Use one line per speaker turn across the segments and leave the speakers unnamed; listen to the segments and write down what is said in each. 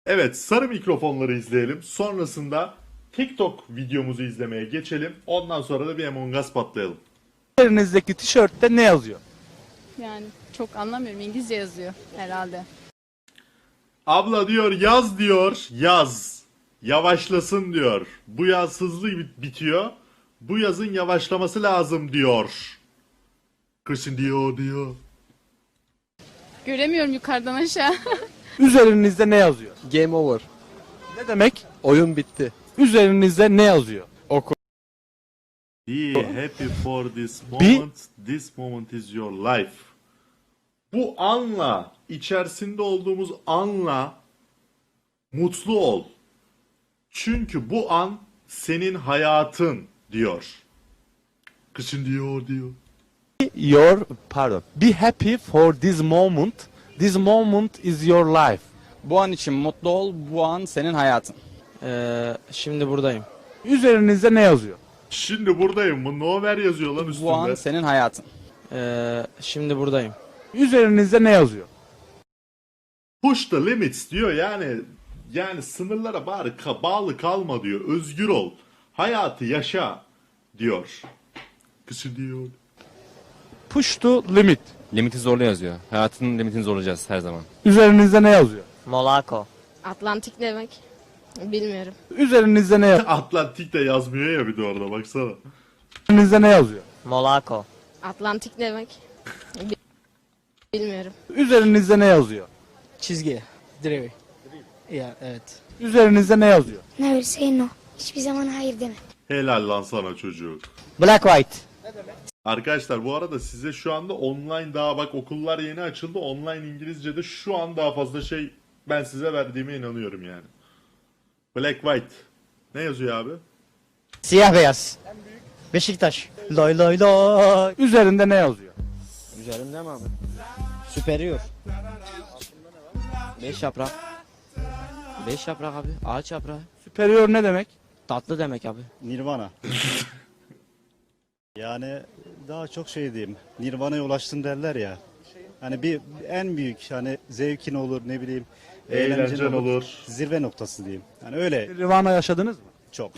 Evet, sarı mikrofonları izleyelim. Sonrasında TikTok videomuzu izlemeye geçelim. Ondan sonra da bir Among Us patlayalım.
Üzerinizdeki tişörtte ne yazıyor?
Yani çok anlamıyorum. İngilizce yazıyor herhalde.
Abla diyor yaz diyor, yaz. Yavaşlasın diyor. Bu yaz hızlı bitiyor. Bu yazın yavaşlaması lazım diyor. Kışın diyor.
Göremiyorum yukarıdan aşağı.
Üzerinizde ne yazıyor?
Game over.
Ne demek?
Oyun bitti.
Üzerinizde ne yazıyor?
Be happy for this moment. This moment is your life. Bu anla, içerisinde olduğumuz anla mutlu ol. Çünkü bu an senin hayatın diyor. Kışın diyor.
Be happy for this moment. This moment is your life.
Bu an için mutlu ol, bu an senin hayatın.
Şimdi buradayım.
Üzerinizde ne yazıyor?
Şimdi buradayım. Bu Nover yazıyor lan üstünde.
Bu an senin hayatın.
Şimdi buradayım.
Üzerinizde ne yazıyor?
Push the limits diyor yani sınırlara bari bağlı kalma diyor. Özgür ol. Hayatı yaşa diyor. Kışın diyor.
Push to limit.
Limiti zorla yazıyor. Hayatın limitini zorlayacağız her zaman.
Üzerinizde ne yazıyor?
Monaco.
Atlantik demek. Bilmiyorum.
Üzerinizde ne yazıyor?
Atlantik de yazmıyor ya bir de orada baksana.
Üzerinizde ne yazıyor?
Monaco.
Atlantik demek. Bilmiyorum.
Üzerinizde ne yazıyor?
Çizgi. Direği. Ya evet.
Üzerinizde ne yazıyor?
Never say no. Hiçbir zaman hayır deme.
Helal lan sana çocuk.
Black white.
Arkadaşlar bu arada size şu anda online daha bak okullar yeni açıldı. Online İngilizce'de şu an daha fazla şey ben size verdiğime inanıyorum yani. Black white. Ne yazıyor abi?
Siyah beyaz. Beşiktaş. Loy loy loy.
Üzerinde ne yazıyor?
Üzerimde mi abi? Superior. 5 yaprak. 5 yaprak abi. Ağaç yaprağı.
Superior ne demek?
Tatlı demek abi.
Nirvana. Yani daha çok şey diyeyim. Nirvana'ya ulaştın derler ya. Hani bir en büyük hani zevkin olur ne bileyim.
Eğlencen olur.
Zirve noktası diyeyim. Yani öyle
Nirvana yaşadınız mı?
çok.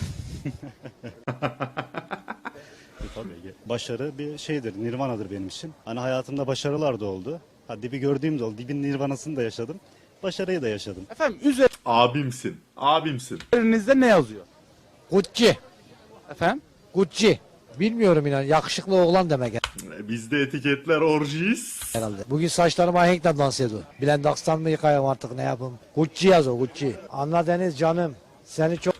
Tabii başarı bir şeydir. Nirvana'dır benim için. Hani hayatımda başarılar da oldu. Ha, dibi gördüğüm de oldu. Dibin nirvanasını da yaşadım. Başarıyı da yaşadım.
Efendim
Abimsin. Abimsin.
üzerinizde ne yazıyor?
Gucci.
Efendim?
Gucci. Bilmiyorum inan. Yakışıklı oğlan demek
Bizde etiketler orjis.
herhalde. Bugün saçlarıma ahenkle dans ediyor. Blendax'tan mı yıkayayım artık ne yapayım? Gucci yaz o Gucci. Anla Deniz canım. Seni çok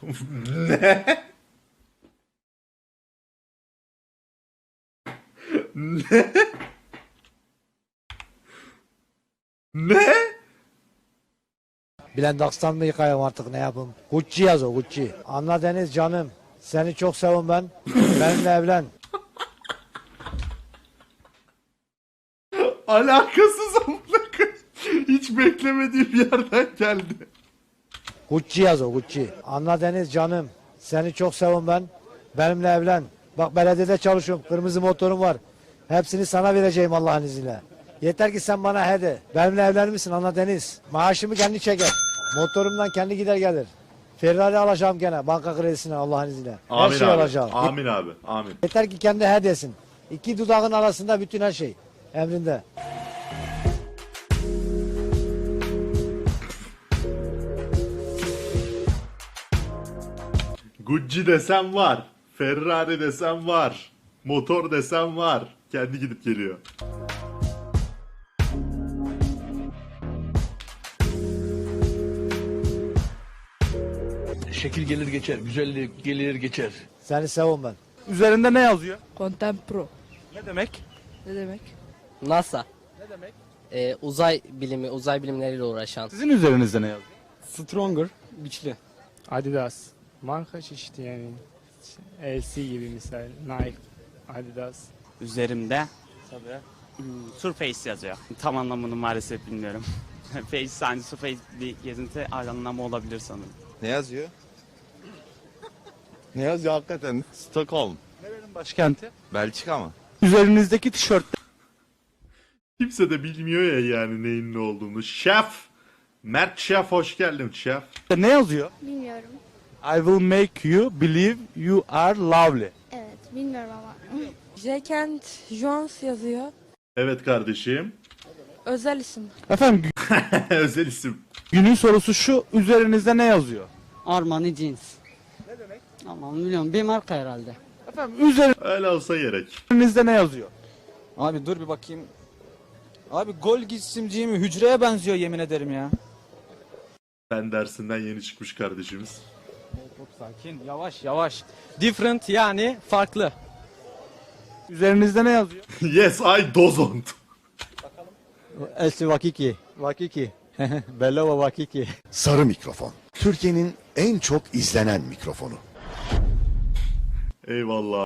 Ne? Ne?
Blendax'tan mı yıkayayım artık ne yapayım? Gucci yaz o Gucci. Anla Deniz canım. Seni çok sevim ben. Benimle evlen.
Alakasız amına koyayım. Hiç beklemediğim yerden geldi.
Gucci yaz o Gucci. Anla Deniz canım. Seni çok sevim ben. Benimle evlen. Bak belediyede çalışıyorum. Kırmızı motorum var. Hepsini sana vereceğim Allah'ın izniyle. Yeter ki sen bana he de. Benimle evlenir misin Anla Deniz? Maaşımı kendi çeker. Motorumdan kendi gider gelir. Ferrari alacağım gene banka kredisine Allah'ın izniyle. Her
Amin
şey
abi.
alacağım.
Amin abi. Amin.
Yeter ki kendi he desin. İki dudağın arasında bütün her şey. Emrinde.
Gucci desem var. Ferrari desem var. Motor desem var. Kendi gidip geliyor.
Şekil gelir geçer, güzellik gelir geçer.
Seni sevim ben.
Üzerinde ne yazıyor?
Contempro.
Ne demek?
Ne demek?
NASA.
Ne demek?
Uzay bilimi, uzay bilimleriyle uğraşan.
Sizin üzerinizde ne yazıyor?
Stronger, güçlü.
Adidas. Marka çeşidi yani. LC gibi misal. Nike, Adidas.
Üzerimde Surface yazıyor. Tam anlamını maalesef bilmiyorum. Face, yani Surface bir gezinti anlamı olabilir sanırım.
Ne yazıyor? Ne yazıyor hakikaten? Stockholm.
Nerenin başkenti?
Belçika mı?
Üzerinizdeki tişörtte
Kimse de bilmiyor ya yani neyin ne olduğunu. Şef Mert Şef hoş geldin Şef.
Ne yazıyor?
Bilmiyorum.
I will make you believe you are lovely.
Evet bilmiyorum ama.
Jekent Jones yazıyor.
Evet kardeşim.
Özel isim.
Efendim
Özel isim.
günün sorusu şu. Üzerinizde ne yazıyor?
Armani jeans. Ne demek? Ama bilmiyorum bir marka herhalde.
Efendim
Öyle olsa gerek.
üzerinizde ne yazıyor?
Abi dur bir bakayım. Abi gol isimciği mi? Hücreye benziyor yemin ederim ya.
Ben dersinden yeni çıkmış kardeşimiz.
Çok sakin. Yavaş yavaş. Different yani farklı.
Üzerinizde ne yazıyor?
Yes I don't.
Elsi Vakiki. Vakiki. Bellova Vakiki.
Sarı mikrofon. Türkiye'nin en çok izlenen mikrofonu.
Eyvallah.